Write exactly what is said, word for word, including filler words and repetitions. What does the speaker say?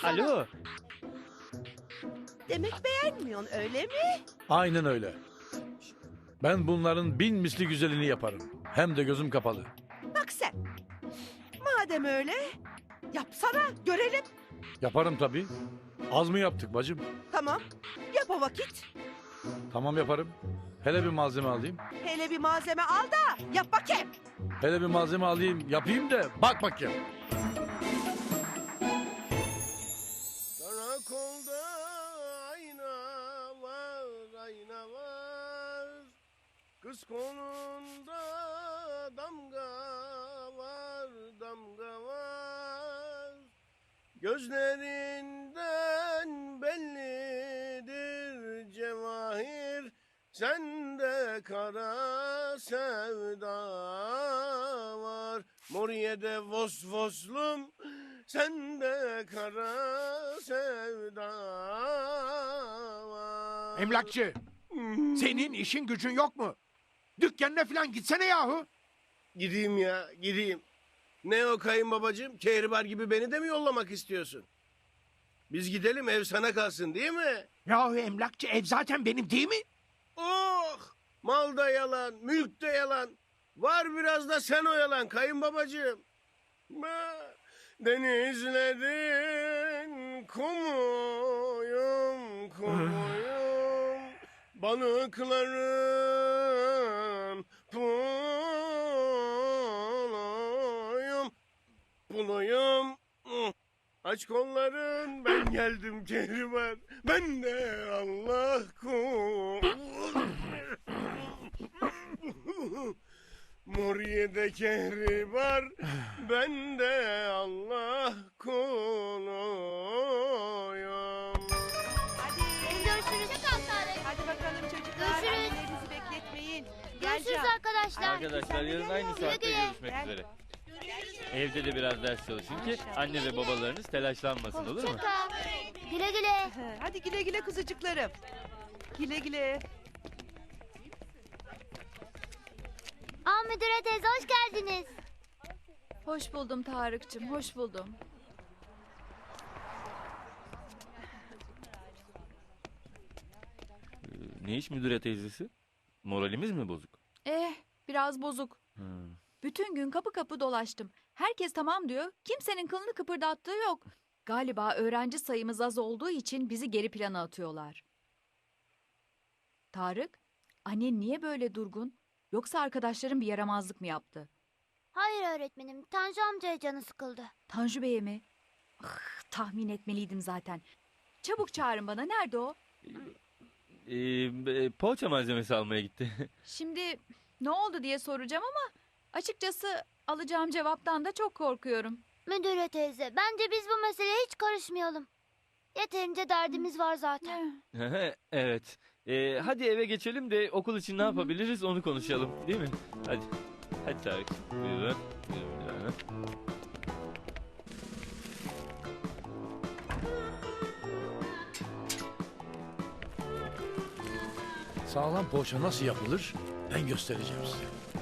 sana. Alo. Demek beğenmiyorsun öyle mi? Aynen öyle. Ben bunların bin misli güzelini yaparım. Hem de gözüm kapalı. Bak sen. Madem öyle yapsana görelim. Yaparım tabii. Az mı yaptık bacım? Tamam yap o vakit. Tamam yaparım. Hele bir malzeme alayım. Hele bir malzeme al da yap bakayım. Hele bir malzeme alayım yapayım da bak bakayım. Karakolda ayna var, ayna var. Kız kolunda damga var, damga var. Gözlerinden bellidir cevahir. Sende kara sevda var. Moriye'de vos voslum. Sende kara sevda var. Emlakçı, senin işin gücün yok mu? Dükkanına falan gitsene yahu. Gideyim ya, gideyim. Ne o kayınbabacığım? Kehribar gibi beni de mi yollamak istiyorsun? Biz gidelim, ev sana kalsın değil mi? Yahu emlakçı, ev zaten benim değil mi? Oh! Mal da yalan, mülk de yalan. Var biraz da sen oyalan kayınbabacığım. Ba- Denizlerin kumuyum, kumuyum. Balıkların puluyum, puluyum. Aç kolların, ben geldim Kehribar. Ben de Allah kul. Muriye'de Kehribar, ben de Allah kuluyum. Hadi. Görüşürüz. Tarık. Hadi bakalım çocuklar. Görüşürüz. Annelerinizi bekletmeyin. Gel Görüşürüz Can. arkadaşlar. Arkadaşlar yarın aynı saatte Güle güle. görüşmek Gel. üzere. Evde de biraz ders çalışın ki anne ve babalarınız telaşlanmasın, olur mu? Hoşça kal. Güle güle. Hadi güle güle kuzucuklarım. Güle güle. Aa müdüre teyze hoş geldiniz. Hoş buldum Tarık'cığım, hoş buldum. Ne iş müdüre teyzesi? Moralimiz mi bozuk? Eh, biraz bozuk. Hmm. Bütün gün kapı kapı dolaştım. Herkes tamam diyor, kimsenin kılını kıpırdattığı yok. Galiba öğrenci sayımız az olduğu için bizi geri plana atıyorlar. Tarık, annen niye böyle durgun? Yoksa arkadaşların bir yaramazlık mı yaptı? Hayır öğretmenim. Tanju amcaya canı sıkıldı. Tanju Bey'e mi? Ah, tahmin etmeliydim zaten. Çabuk çağırın bana, nerede o? Ee, e, poğaça malzemesi almaya gitti. Şimdi ne oldu diye soracağım ama açıkçası alacağım cevaptan da çok korkuyorum. Müdüre teyze bence biz bu meseleye hiç karışmayalım. Yeterince derdimiz var zaten. Eh, Evet. Ee, hadi eve geçelim de okul için ne yapabiliriz onu konuşalım, değil mi? Hadi. Hadi Tarık. Buyurun. Buyurun bir tane. Sağlam poğaça nasıl yapılır? Ben göstereceğim size.